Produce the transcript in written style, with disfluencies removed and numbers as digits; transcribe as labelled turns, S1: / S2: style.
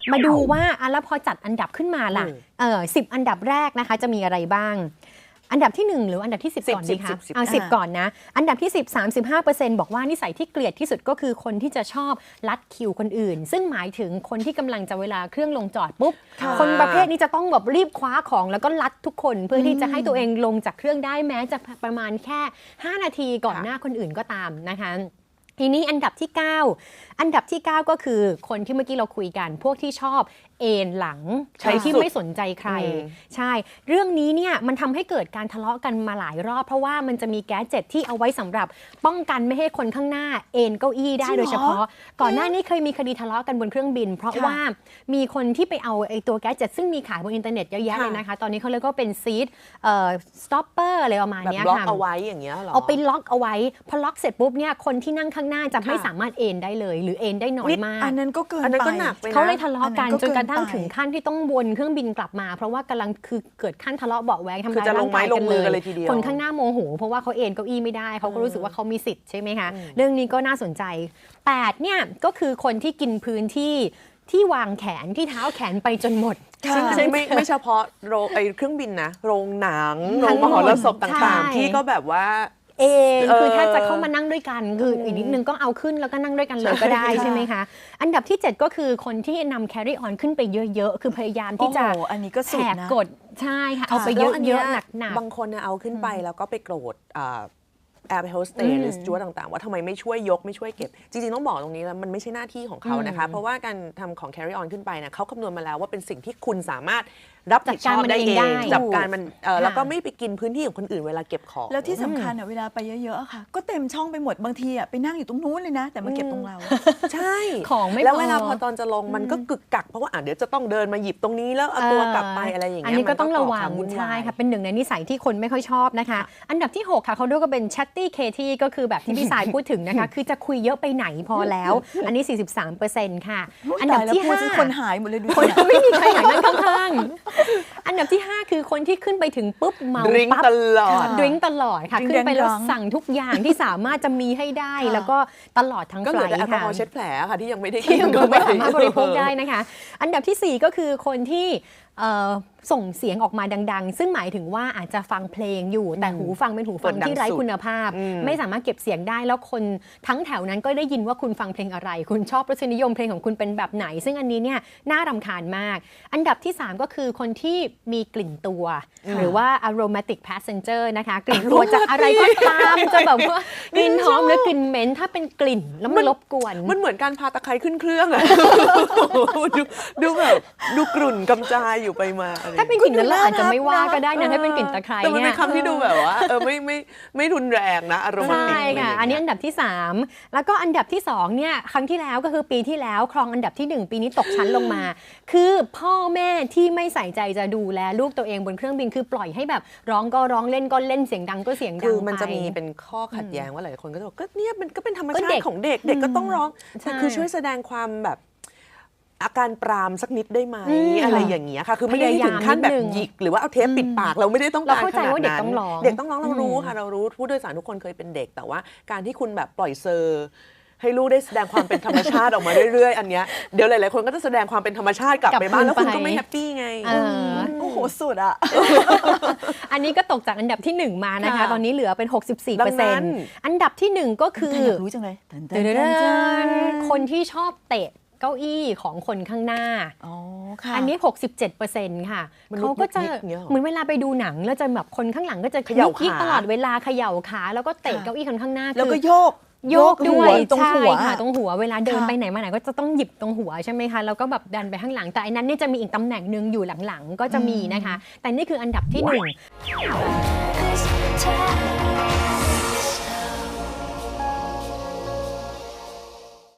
S1: มาดูว่าแล้วพอจัดอันดับขึ้นมาล่ะ10 อันดับแรกนะคะจะมีอะไรบ้างอันดับที่1หรืออันดับที่10ก่อนดีคะเอา10ก่อนนะอันดับที่10 35% บอกว่านิสัยที่เกลียดที่สุดก็คือคนที่จะชอบลัดคิวคนอื่นซึ่งหมายถึงคนที่กำลังจะเวลาเครื่องลงจอดปุ๊บคนประเภทนี้จะต้องแบบรีบคว้าของแล้วก็ลัดทุกคนเพื่อที่จะให้ตัวเองลงจากเครื่องได้แม้จะประมาณแค่5 นาทีก่อนหน้าคนอื่นก็ตามนะคะทีนี้อันดับที่9ก็คือคนที่เมื่อกี้เราคุยกันพวกที่ชอบเอนหลังใช้ที่ไม่สนใจใครใช่เรื่องนี้เนี่ยมันทำให้เกิดการทะเลาะกันมาหลายรอบเพราะว่ามันจะมีแก๊สเจ็ตที่เอาไว้สำหรับป้องกันไม่ให้คนข้างหน้าเอนเก้าอี้ได้โดยเฉพาะก่อนหน้านี้เคยมีคดีทะเลาะกันบนเครื่องบินเพราะว่ามีคนที่ไปเอาไอ้ตัวแก๊สเจ็ตซึ่งมีขายบนอินเทอร์เน็ตเยอะแยะเลยนะคะตอนนี้เขาเรียกว่าเป็นซีทสต็อปเปอร์อะไรประมาณนี้ค่ะ
S2: ล็อกเอาไว้อย่างเงี้ยหรอ
S1: เอาไปล็อกเอาไว้พอล็อกเสร็จปุ๊บเนี่ยคนที่นั่งข้างหน้าจะไม่สามารถเอนได้เลยหรือเอนได้น้อยมาก
S3: อันนั้นก็เกินไป
S2: อันนั้นก็หนักไปนะ
S1: เขาเลยทะเลาะกันจนกระทั่งถึงขั้นที่ต้องวนเครื่องบินกลับมาเพราะว่ากำลังคือเกิดขั้นทะเลาะเบาะแว้งทำร้ายร่างกายกันเลยคนข้างหน้าโมโหเพราะว่าเขาเอนเก้าอี้ไม่ได้เขาก็รู้สึกว่าเขามีสิทธิ์ใช่ไหมคะเรื่องนี้ก็น่าสนใจ8เนี่ยก็คือคนที่กินพื้นที่วางแขนที่เท้าแขนไปจนหมด
S2: ซึ่งไม่เฉพาะเครื่องบินนะโรงหนังโรงมหรสพต่างๆที่ก็แบบว่า
S1: คือถ้าจะเข้ามานั่งด้วยกันคืออีกนิดนึงก็เอาขึ้นแล้วก็นั่งด้วยกันเลยก็ได้ใช่ไหมคะอันดับที่7ก็คือคนที่นำ carry on ขึ้นไปเยอะๆคือพยายามที่จะ
S3: อันนี้ก็แห
S1: กกฎใช่ค่ะเอาไปเยอะๆหนัก
S2: บางคนเอาขึ้นไปแล้วก็ไปโกรธแอร์โฮสเตสหรือสจ๊วตต่างๆว่าทำไมไม่ช่วยยกไม่ช่วยเก็บจริงๆต้องบอกตรงนี้แล้วมันไม่ใช่หน้าที่ของเขานะคะเพราะว่าการทำของ carry on ขึ้นไปนะเขาคำนวณมาแล้วว่าเป็นสิ่งที่คุณสามารถรับผิดชอบได้เองจัดการมันแล้วก็ไม่ไปกินพื้นที่ของคนอื่นเวลาเก็บของ
S3: แล้วที่สำคัญเวลาไปเยอะๆค่ะก็เต็มช่องไปหมดบางทีไปนั่งอยู่ตรงนู้นเลยนะแต่มาเก็บตรงเรา
S2: ใช่
S1: ของไม่พอ
S2: แล้วเวลาพอตอนจะลงมันก็กึกกักเพราะว่าเดี๋ยวจะต้องเดินมาหยิบตรงนี้แล้วเอาตัวกลับไปอะไรอย่างเงี้ย
S1: อันนี้ก็ต้องระวังใช่ค่ะเป็นหนึ่งในนิสัยที่คนไม่ค่อยชอบนะคะอันดับที่6ค่ะเขาเรียกว่าเป็น chatty Katie ก็คือแบบที่พี่สายพูดถึงนะคะคือจะคุยเยอะไปไหนพอแล้วอันนี้ 43% ค่ะ
S3: อันดับที่5คนหายหมดเลยดู
S1: คนไม่มีใครหายนั่งข้างๆอันดับที่5คือคนที่ขึ้นไปถึงปุ๊บเมาปั๊บ
S2: ตลอด
S1: ค่ะขึ้นไปแล้วสั่งทุกอย่างที่สามารถจะมีให้ได้แล้วก็ตลอดทั้งไฟล์ค่ะก็เหลือ
S2: แอลกอฮอล์เช็ดแผลค่ะที่ยังไม่ได้
S1: กินก็ไม่สามารถบริโภคได้นะคะอันดับที่4ก็คือคนที่ส่งเสียงออกมาดังๆซึ่งหมายถึงว่าอาจจะฟังเพลงอยู่แต่หูฟังเป็นหูฟังที่ไร้คุณภาพไม่สามารถเก็บเสียงได้แล้วคนทั้งแถวนั้นก็ได้ยินว่าคุณฟังเพลงอะไรคุณชอบรสนิยมเพลงของคุณเป็นแบบไหนซึ่งอันนี้เนี่ยน่ารำคาญมากอันดับที่3ก็คือคนที่มีกลิ่นตัวหรือว่า aromatic passenger นะคะกลิ่นตัวจากอะไรก็ตามจะแบบว่ากลิ่นหอมหรือกลิ่นเหม็นถ้าเป็นกลิ่นแล้วมันรบกวน
S2: มันเหมือนการพาตะไคร้ขึ้นเครื่องอะดูแบบดูกรุ่นกำจายอยู่ไปมา
S1: ถ้าเป็นกลิ่นนั้นเราอาจจะไม่ว่าก็ได้นะถ้าเป็นกลิ่นตะไคร้
S2: เนี่ยแต่มันเป็นคำที่ดูแบบว่าไม่รุนแรงนะอารมณ์
S1: ใช่ค่ะอันนี้อันดับที่3แล้วก็อันดับที่2เนี่ยครั้งที่แล้วก็คือปีที่แล้วครองอันดับที่1ปีนี้ตกชั้นลงมาคือพ่อแม่ที่ไม่ใส่ใจจะดูแลลูกตัวเองบนเครื่องบินคือปล่อยให้แบบร้องก็ร้องเล่นก็เล่นเสียงดังก็เสียงดัง
S2: คือมันจะมีเป็นข้อขัดแย้งว่าหลายคนก็จะบอกก็เนี่ยมันก็เป็นธรรมชาติของเด็กก็ต้องร้องคือช่วยแสดงความแบบอาการปรามสักนิดได้ไหมอะไรอย่างเงี้ยค่ะคือไม่ได้ถึงขั้นแบบหยิกหรือว่าเอาเทปปิดปากเราไม่ได้ต้องการขนาดนั้น
S1: เราเข้าใจว่าเด็กต้องร้อง
S2: เรารู้ค่ะเรารู้ผู้โดยสารทุกคนเคยเป็นเด็กแต่ว่าการที่คุณแบบปล่อยเซอร์ให้ลูกได้แสดงความเป็นธรรมชาติออกมาเรื่อยๆอันเนี้ยเดี๋ยวหลายๆคนก็จะแสดงความเป็นธรรมชาติกลับไปบ้านแล้วคุณก็ไม่แฮปปี้ไง
S3: โอ้โหสุดอ่ะ
S1: อันนี้ก็ตกจากอันดับที่1มานะคะตอนนี้เหลือเป็น 64%อันดับที่1ก็คือ
S3: อยากรู้จังเลย
S1: คนที่ชอบเตะเก้าอี้ของคนข้างหน้าอันนี้ 67% ค่ะเขาก็จะเหมือนเวลาไปดูหนังแล้วจะแบบคนข้างหลังก็จะยิกตลอดเวลาเขย่าขาแล้วก็เตะเก้าอี้คนข้างหน้า
S3: แล้วก็โยก
S1: ด้วยตรงหัวค่ะตรงหัวเวลาเดินไปไหนมาไหนก็จะต้องหยิบตรงหัวใช่ไหมคะแล้วก็แบบดันไปข้างหลังแต่อันนั้นเนี่ยจะมีอีกตำแหน่งนึงอยู่หลังๆก็จะมีนะคะแต่นี่คืออันดับที่1